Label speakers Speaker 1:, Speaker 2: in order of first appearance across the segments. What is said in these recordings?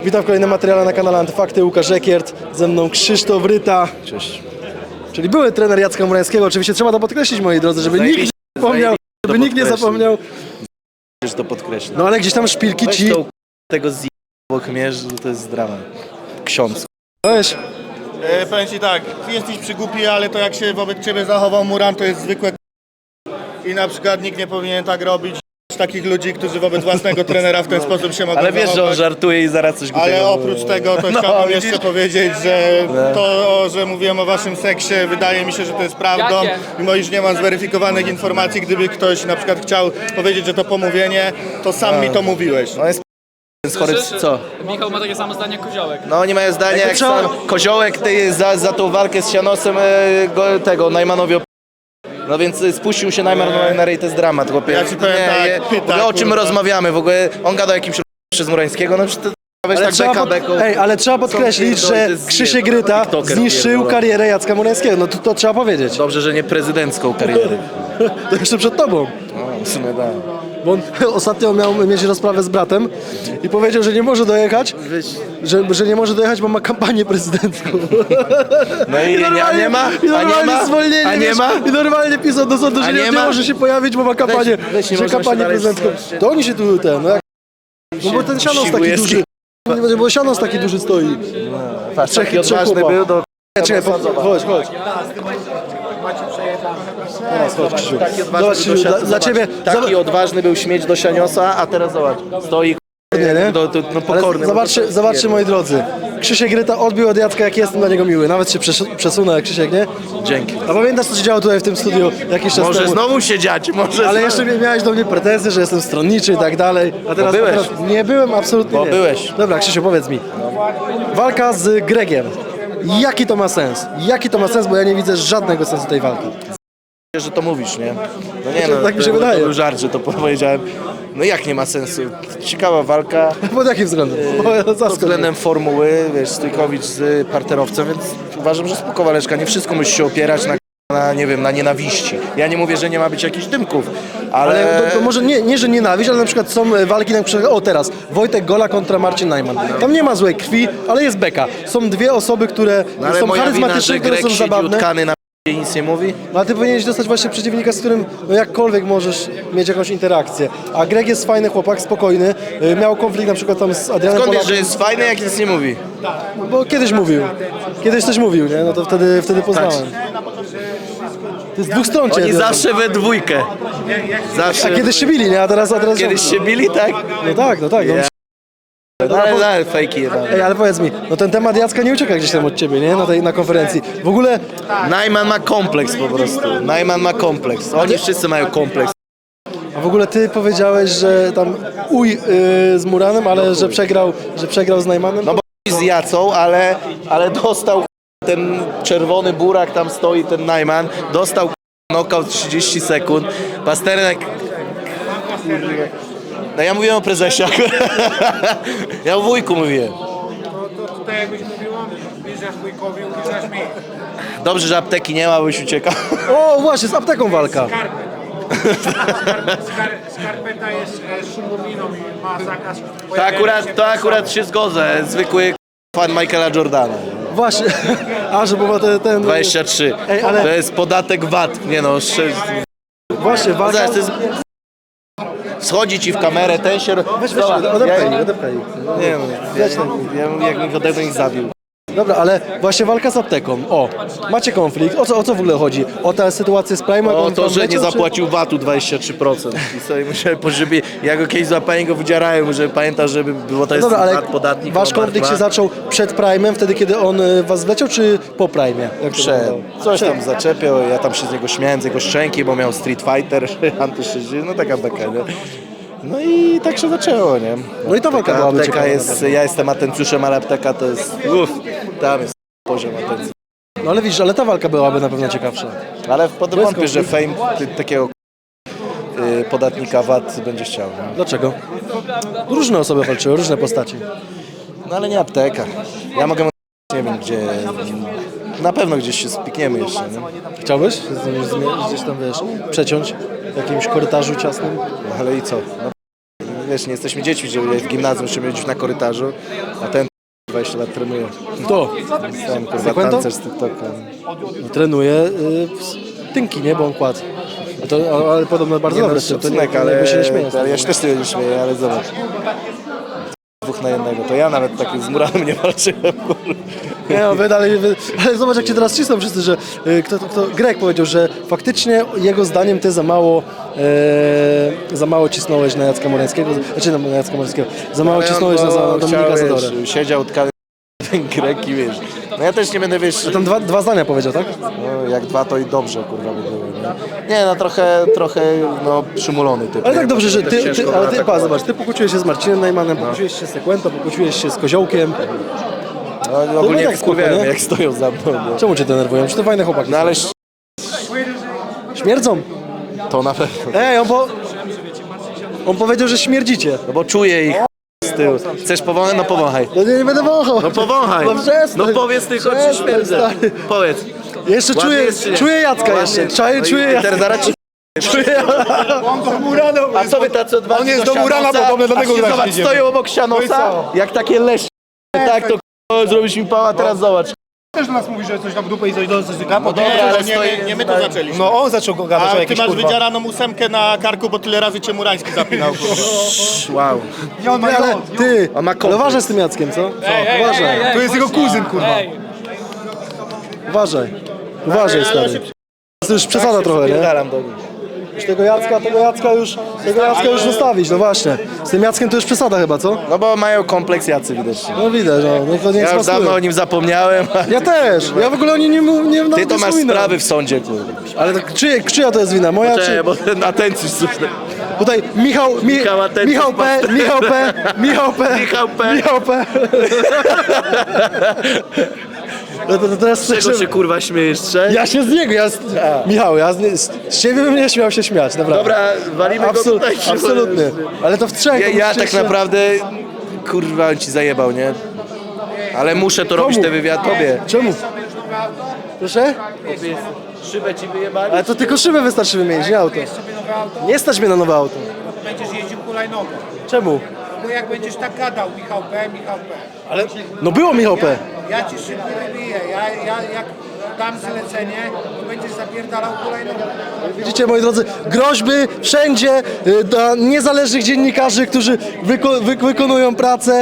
Speaker 1: Witam w kolejnym materiale na kanale Antyfakty. Łukasz Ekiert, ze mną Krzysztof Ryta.
Speaker 2: Cześć.
Speaker 1: Czyli były trener Jacka Murańskiego. Oczywiście trzeba to podkreślić, moi drodzy, żeby nikt nie zapomniał. Żeby nikt nie zapomniał.
Speaker 2: Chcesz to podkreślić.
Speaker 1: No ale gdzieś tam szpilki
Speaker 2: Weź
Speaker 1: ci...
Speaker 2: to tego z obok mnie, że to jest dramat. Ksiądz.
Speaker 1: Weź.
Speaker 3: Powiem ci tak, ty jesteś przygłupi, ale to jak się wobec ciebie zachował Muran, to jest zwykłe i na przykład nikt nie powinien tak robić. Takich ludzi, którzy wobec własnego trenera w ten sposób się mogą
Speaker 2: Ale wiesz, że on
Speaker 3: zachować.
Speaker 2: żartuje i zaraz coś głupiego
Speaker 3: Ale
Speaker 2: mówi.
Speaker 3: oprócz tego to
Speaker 2: No,
Speaker 3: chciałbym
Speaker 2: widzisz?
Speaker 3: jeszcze powiedzieć, że to, że mówiłem o waszym seksie, wydaje mi się, że to jest prawdą. Mimo iż nie mam zweryfikowanych informacji, gdyby ktoś na przykład chciał powiedzieć, że to pomówienie, to sam mi to mówiłeś.
Speaker 2: On jest chory, co?
Speaker 4: Michał ma takie samo zdanie jak Koziołek.
Speaker 2: No oni mają zdanie jak
Speaker 1: trzeba-
Speaker 2: sam Koziołek ty za tą walkę z Sianosem tego Najmanowi no więc spuścił się Najman na rej, to jest dramat, chłopie.
Speaker 3: Ja ci powiem tak,
Speaker 2: w ogóle o czym
Speaker 3: kurwa.
Speaker 2: rozmawiamy? W ogóle on gada o jakimś przez Murańskiego, no przecież to weź tak beką.
Speaker 1: ale trzeba podkreślić,
Speaker 2: Co
Speaker 1: że
Speaker 2: pierdolę, to jest
Speaker 1: Krzysiek
Speaker 2: nie, to
Speaker 1: Ryta
Speaker 2: TikToker
Speaker 1: zniszczył
Speaker 2: pierdolony.
Speaker 1: karierę Jacka Murańskiego. No to trzeba powiedzieć.
Speaker 2: Dobrze, że nie prezydencką karierę.
Speaker 1: To jeszcze przed tobą.
Speaker 2: No, w sumie tak.
Speaker 1: Bo on ostatnio miał mieć rozprawę z bratem i powiedział, że nie może dojechać, że nie może dojechać, bo ma kampanię prezydencką.
Speaker 2: No i nie ma?
Speaker 1: I normalnie zwolnienie,
Speaker 2: A nie
Speaker 1: wiesz,
Speaker 2: ma?
Speaker 1: I normalnie pisał do sądu, że
Speaker 2: A
Speaker 1: nie,
Speaker 2: nie
Speaker 1: nie
Speaker 2: ma?
Speaker 1: może się pojawić, bo ma kampanię,
Speaker 2: weź, nie
Speaker 1: że
Speaker 2: można się
Speaker 1: kampanię
Speaker 2: dalej
Speaker 1: prezydencką.
Speaker 2: wstrzymać.
Speaker 1: To oni się tu no jak... No bo ten Sianos taki
Speaker 2: Siłujewski.
Speaker 1: duży. Bo Sianos taki duży stoi.
Speaker 2: Patrz,
Speaker 1: Trzech-
Speaker 2: taki
Speaker 1: trzech
Speaker 2: odważny
Speaker 1: chłopa.
Speaker 2: był, to...
Speaker 1: Czekaj, chodź. Chodź, Krzysiu.
Speaker 2: Taki odważny
Speaker 1: Zobacz,
Speaker 2: był
Speaker 1: Krzysiu,
Speaker 2: do
Speaker 1: dla ciebie...
Speaker 2: Taki odważny był śmieć do Sianiosa, a teraz zobacz, stoi
Speaker 1: nie?
Speaker 2: no pokorny.
Speaker 1: Zobaczcie, moi drodzy. Krzysiek Ryta odbił od Jacka, jak jestem dla niego miły. Nawet się przesunę, Krzysiek, nie?
Speaker 2: Dzięki.
Speaker 1: A pamiętasz, co się działo tutaj w tym studiu jakiś czas
Speaker 2: Może
Speaker 1: temu?
Speaker 2: znowu się dziać, może
Speaker 1: Ale
Speaker 2: znowu.
Speaker 1: jeszcze miałeś do mnie pretensje, że jestem stronniczy i tak dalej. A teraz,
Speaker 2: byłeś.
Speaker 1: a teraz nie byłem, absolutnie
Speaker 2: Bo
Speaker 1: nie.
Speaker 2: byłeś.
Speaker 1: Dobra, Krzysiu, powiedz mi. Walka z Gregiem. Jaki to ma sens? Jaki to ma sens, bo ja nie widzę żadnego sensu tej walki.
Speaker 2: Że to mówisz, nie? No nie, no,
Speaker 1: tak mi się
Speaker 2: to
Speaker 1: wydaje.
Speaker 2: był żart, że to powiedziałem. No jak nie ma sensu? Ciekawa walka.
Speaker 1: Pod jakim względem?
Speaker 2: Pod względem formuły, wiesz, Stójkowicz z parterowcem, więc uważam, że spoko waleczka. Nie wszystko musi się opierać na nie wiem, na nienawiści. Ja nie mówię, że nie ma być jakichś dymków, ale...
Speaker 1: Ale to może nie, że nienawiść, ale na przykład są walki, na przykład, o teraz, Wojtek Gola kontra Marcin Najman. Tam nie ma złej krwi, ale jest beka. Są dwie osoby, które
Speaker 2: No, ale
Speaker 1: są
Speaker 2: moja wina,
Speaker 1: charyzmatyczne,
Speaker 2: że
Speaker 1: które
Speaker 2: Grek
Speaker 1: są
Speaker 2: siedzi
Speaker 1: zabawne.
Speaker 2: utkany na i nic nie mówi?
Speaker 1: No, ale ty powinieneś dostać właśnie przeciwnika, z którym no jakkolwiek możesz mieć jakąś interakcję. A Greg jest fajny chłopak, spokojny. Miał konflikt na przykład tam z Adrianem
Speaker 2: Skąd wiesz,
Speaker 1: Polakiem.
Speaker 2: że jest fajny, jak nic nie mówi?
Speaker 1: Bo kiedyś mówił. Kiedyś coś mówił, nie? No to wtedy poznałem. To jest dwóch stron
Speaker 2: Oni
Speaker 1: cię.
Speaker 2: zawsze we dwójkę. Zawsze.
Speaker 1: A kiedyś się bili, nie? A teraz
Speaker 2: Kiedyś się bili, tak?
Speaker 1: No tak, no tak. No.
Speaker 2: Ja. No, ale fejki jeden.
Speaker 1: Ej, ale powiedz mi, no ten temat Jacka nie ucieka gdzieś tam od ciebie, nie? Na konferencji. W ogóle
Speaker 2: Najman ma kompleks po prostu. Najman ma kompleks. Oni wszyscy mają kompleks.
Speaker 1: A w ogóle ty powiedziałeś, że tam z Muranem, ale że przegrał z Najmanem?
Speaker 2: No bo z Jacą, ale dostał ten czerwony burak, tam stoi ten Najman, dostał knockout 30 sekund. Pasternak... No ja mówiłem o prezesie. Ja o wujku mówiłem.
Speaker 5: To tak jakbyś mówił, piszesz wujkowi, piszesz mi.
Speaker 2: Dobrze, że apteki nie ma, byś uciekał.
Speaker 1: O, właśnie, z apteką walka.
Speaker 5: Skarpeta jest szumowiną i ma zakaz.
Speaker 2: To akurat się zgodzę. Zwykły fan Michaela Jordana.
Speaker 1: Właśnie, a że bo ma ten...
Speaker 2: 23.
Speaker 1: Ej, ale-
Speaker 2: To jest podatek VAT. Nie no,
Speaker 1: Właśnie, walka...
Speaker 2: Zobacz, to jest... Schodzi ci w kamerę, ten się...
Speaker 1: Weź,
Speaker 2: Zobacz,
Speaker 1: odepchaj.
Speaker 2: Nie no, jak mi ode mnie zabił.
Speaker 1: Dobra, ale właśnie walka z apteką. O, macie konflikt. O co w ogóle chodzi? O tę sytuację z Prime?
Speaker 2: O to, że nie zapłacił VAT-u 23%. I sobie musiałem, żeby ja go kiedyś złapałem, go wydzierałem, żeby pamiętał, żeby było to jest
Speaker 1: Dobra, ale
Speaker 2: VAT, podatnik.
Speaker 1: wasz konflikt się zaczął przed Prime'em, wtedy kiedy on was wleciał, czy po Prime'ie? Jak to
Speaker 2: Przed.
Speaker 1: wyglądało?
Speaker 2: Coś tam zaczepiał, ja tam się z niego śmiałem, z jego szczęki, bo miał Street Fighter, antyszczyźnie, no taka beka, nie? No i tak się zaczęło, nie?
Speaker 1: No i ta walka byłaby
Speaker 2: Apteka
Speaker 1: ciekawa
Speaker 2: jest, ja jestem atencjuszem, ale apteka to jest, tam jest poziom atencji.
Speaker 1: No ale widzisz, ale ta walka byłaby na pewno ciekawsza.
Speaker 2: Ale potem wątpię, że fame takiego podatnika VAT będzie chciał. Nie?
Speaker 1: Dlaczego? Różne osoby walczyły, różne postaci.
Speaker 2: No ale nie apteka. Ja mogę, nie wiem gdzie, na pewno gdzieś się spikniemy jeszcze, nie?
Speaker 1: Chciałbyś gdzieś tam, wiesz, przeciąć w jakimś korytarzu ciasnym?
Speaker 2: Ale i co? No, wiesz, nie jesteśmy dziećmi, że w gimnazjum musimy być na korytarzu, a ten 20 lat trenuje.
Speaker 1: Kto?
Speaker 2: Ten kurwa
Speaker 1: Sekwento?
Speaker 2: tancerz z TikToka.
Speaker 1: No, trenuje tynki, nie? Bo on kładł. Ale podobno bardzo
Speaker 2: Nie,
Speaker 1: dobre,
Speaker 2: no,
Speaker 1: to nie,
Speaker 2: szacunek, ale
Speaker 1: się nie śmieje.
Speaker 2: ja się też nie śmieję, ale zobacz. 2 na 1, to ja nawet tak z Muranem nie walczyłem.
Speaker 1: Nie, no, ale zobacz jak cię teraz cisną wszyscy, że Greg powiedział, że faktycznie jego zdaniem ty za mało cisnąłeś na Jacka Morańskiego, znaczy na Jacka Morańskiego, za mało cisnąłeś na Dominika Zadorę.
Speaker 2: Siedział ten Grek i wiesz, no ja też nie będę, wiesz,
Speaker 1: Tam dwa zdania powiedział, tak?
Speaker 2: no, jak 2 to i dobrze, kurwa, by było, nie? Nie, no trochę, no, przymulony typ.
Speaker 1: Ale
Speaker 2: nie?
Speaker 1: tak dobrze, że
Speaker 2: Bo
Speaker 1: ty,
Speaker 2: ciężko
Speaker 1: ale ty,
Speaker 2: było
Speaker 1: pa, zobacz, ty pokłóciłeś się z Marcinem Najmanem, pokłóciłeś się z Sekwento, pokłóciłeś się z Koziołkiem.
Speaker 2: No, ogólnie
Speaker 1: tak
Speaker 2: tak wkurwiałem,
Speaker 1: spoko, nie?
Speaker 2: jak stoją za mną. No,
Speaker 1: Czemu cię denerwują? Czy to fajne chłopaki?
Speaker 2: no ale
Speaker 1: Śmierdzą?
Speaker 2: to na pewno.
Speaker 1: Ej, on powiedział, że śmierdzicie.
Speaker 2: No bo czuję ich z tyłu. Chcesz powąchać? No powąchaj.
Speaker 1: No nie będę wąchał.
Speaker 2: No powąchaj.
Speaker 1: No przestań.
Speaker 2: No powiedz tylko, czy
Speaker 1: Przestań,
Speaker 2: śmierdzę.
Speaker 1: stary.
Speaker 2: Powiedz.
Speaker 1: Jeszcze
Speaker 2: Ładnie jest, czy nie?
Speaker 1: czuję Jacka
Speaker 2: Ładnie.
Speaker 1: jeszcze.
Speaker 2: No i
Speaker 1: Czuję Jacka.
Speaker 2: teraz zaraz ci... A co wy tacy odważni
Speaker 3: On jest
Speaker 2: do
Speaker 3: do Murana
Speaker 2: Sianosa?
Speaker 3: podobny, dlatego
Speaker 2: A się
Speaker 3: grać
Speaker 2: zobacz,
Speaker 3: idziemy.
Speaker 2: stoją obok Sianosa, jak takie lesie. Tak to zrobisz mi pała, teraz zobacz.
Speaker 5: Też do nas mówi, że coś tam w dupę i coś do nas gada.
Speaker 2: No dobra,
Speaker 3: Nie,
Speaker 2: ale
Speaker 3: nie my to zaczęliśmy.
Speaker 5: No on zaczął go gadać o
Speaker 3: A ty
Speaker 5: jakieś
Speaker 3: masz
Speaker 5: kurwa.
Speaker 3: wydzieraną 8 na karku, bo tyle razy cię Murański zapinał.
Speaker 2: Wow.
Speaker 5: Nie, on ma
Speaker 1: Ale ty,
Speaker 2: On ma
Speaker 1: ale
Speaker 2: kompleks.
Speaker 1: uważaj z tym Jackiem, co? Uważaj,
Speaker 5: To jest jego kuzyn, kurwa.
Speaker 1: uważaj. Uważaj, stary. To już przesada trochę, nie?
Speaker 2: Pierdalam do nich.
Speaker 1: Już tego Jacka już zostawić, no właśnie. Z tym Jackiem to już przesada chyba, co?
Speaker 2: No bo mają kompleks jacy widocznie.
Speaker 1: No widać, no. Niech to nie
Speaker 2: Ja już dawno o nim zapomniałem.
Speaker 1: Ja też. Ja w ogóle o nim nie
Speaker 2: Ty
Speaker 1: nawet
Speaker 2: to
Speaker 1: nie
Speaker 2: masz
Speaker 1: wspominam.
Speaker 2: sprawy w sądzie, kurwa.
Speaker 1: Ale tak, czyja to jest wina? Moja czy...
Speaker 2: Czekaj, bo ten atencjusz słuszny.
Speaker 1: Tutaj
Speaker 2: Michał Atencjusz
Speaker 1: Michał P.
Speaker 2: Michał P.
Speaker 1: No to teraz
Speaker 2: Czego się kurwa śmiejesz, trzej?
Speaker 1: ja się z niego, Michał, z ciebie bym nie śmiał się śmiać, naprawdę.
Speaker 2: Dobra, walimy go tutaj.
Speaker 1: Absolutnie. Ale to w trzech.
Speaker 2: Ja
Speaker 1: to
Speaker 2: tak naprawdę, kurwa, on ci zajebał, nie? Ale muszę to robić, te wywiad tobie.
Speaker 1: Czemu? Proszę?
Speaker 2: Szybę ci wyjebali?
Speaker 1: Ale to tylko szybę wystarczy wymienić, nie auto. Nie stać mnie na nowe auto.
Speaker 5: Będziesz jeździł hulajnogą.
Speaker 1: Czemu?
Speaker 5: Bo jak będziesz tak gadał, Michał P.
Speaker 1: Ale no było Michał P.
Speaker 5: Ja ci szybko wybiję. Ja jak dam zlecenie, to będziesz zapierdalał hulajnogą.
Speaker 1: Widzicie, moi drodzy, groźby wszędzie dla niezależnych dziennikarzy, którzy wykonują pracę.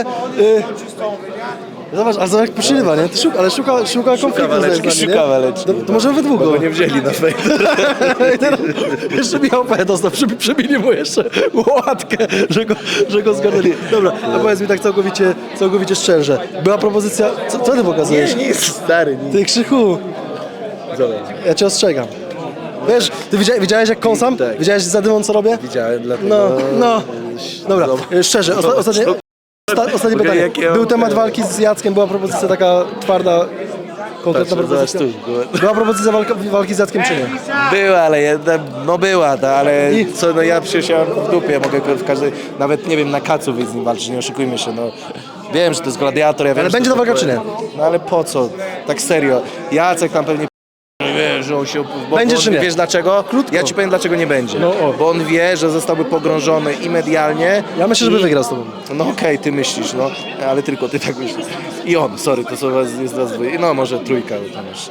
Speaker 1: Zobacz, a zobacz jak poszywa, nie? Ale szuka konfliktu
Speaker 2: waleczki,
Speaker 1: z nami,
Speaker 2: szuka
Speaker 1: nie?
Speaker 2: waleczki.
Speaker 1: To możemy we dwóch
Speaker 2: Bo
Speaker 1: go.
Speaker 2: go nie wzięli na fejk.
Speaker 1: I teraz jeszcze Michał P. dostał, przybili mu jeszcze łatkę, że go zgarnęli. Dobra, a powiedz mi tak całkowicie szczerze. Była propozycja... Co ty pokazujesz?
Speaker 2: Nic, stary, nic.
Speaker 1: Ty, Krzychu,
Speaker 2: Zobacz.
Speaker 1: ja cię ostrzegam. Wiesz, ty widziałeś jak kąsam?
Speaker 2: Tak.
Speaker 1: Widziałeś za dymą co robię?
Speaker 2: Widziałem, dlatego...
Speaker 1: No. Dobra, szczerze, ostatnie pytanie.
Speaker 2: jak ja
Speaker 1: Był
Speaker 2: mam
Speaker 1: temat
Speaker 2: teraz.
Speaker 1: walki z Jackiem, była propozycja taka twarda, konkretna
Speaker 2: Patrz,
Speaker 1: propozycja.
Speaker 2: zobacz tu.
Speaker 1: Była propozycja walki z Jackiem czy nie?
Speaker 2: Była, ale była, ale
Speaker 1: I?
Speaker 2: co, no ja przecież ja w dupie mogę w każdej, nawet nie wiem, na kacu wyjść z nim walczyć, nie oszukujmy się, no. Wiem, że to jest gladiator, ja wiem,
Speaker 1: Ale
Speaker 2: że
Speaker 1: będzie
Speaker 2: to
Speaker 1: to walka,
Speaker 2: jest-
Speaker 1: czy nie?
Speaker 2: No ale po co? Tak serio. Jacek tam pewnie wie, że on się... Bo
Speaker 1: Będzie,
Speaker 2: on,
Speaker 1: czy nie?
Speaker 2: Wiesz dlaczego?
Speaker 1: Krótko.
Speaker 2: Ja ci powiem dlaczego nie będzie.
Speaker 1: No, o.
Speaker 2: Bo on wie, że zostałby pogrążony i medialnie.
Speaker 1: Ja myślę, żeby wygrał z tobą.
Speaker 2: No okej, ty myślisz, no, ale tylko ty tak myślisz. I on, sorry, to są jest was dwoje, no może trójka, bo tam już.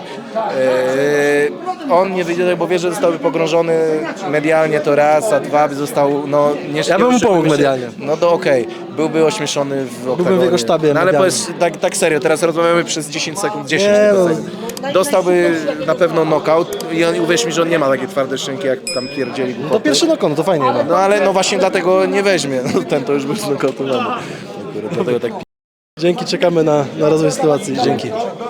Speaker 2: On nie wyjdzie, bo wie, że zostałby pogrążony medialnie to raz, a dwa by został, no nie
Speaker 1: Ja bym mu
Speaker 2: nie
Speaker 1: pomógł
Speaker 2: oszukujmy się.
Speaker 1: medialnie.
Speaker 2: No to okej, byłby ośmieszony w oktagonie.
Speaker 1: w jego sztabie
Speaker 2: No ale
Speaker 1: medialnym.
Speaker 2: powiedz, tak serio, teraz rozmawiamy przez 10 sekund, 10
Speaker 1: Nie, no.
Speaker 2: sekund. Dostałby na pewno knockout i uwierz mi, że on nie ma takiej twardej szczęki, jak tam pierdzieli
Speaker 1: To
Speaker 2: głupoty.
Speaker 1: pierwszy nokon, to fajnie. No.
Speaker 2: No ale no właśnie dlatego nie weźmie, no ten to już był znokautowany. Dlatego tak
Speaker 1: Dzięki, czekamy na rozwój sytuacji. Dzięki.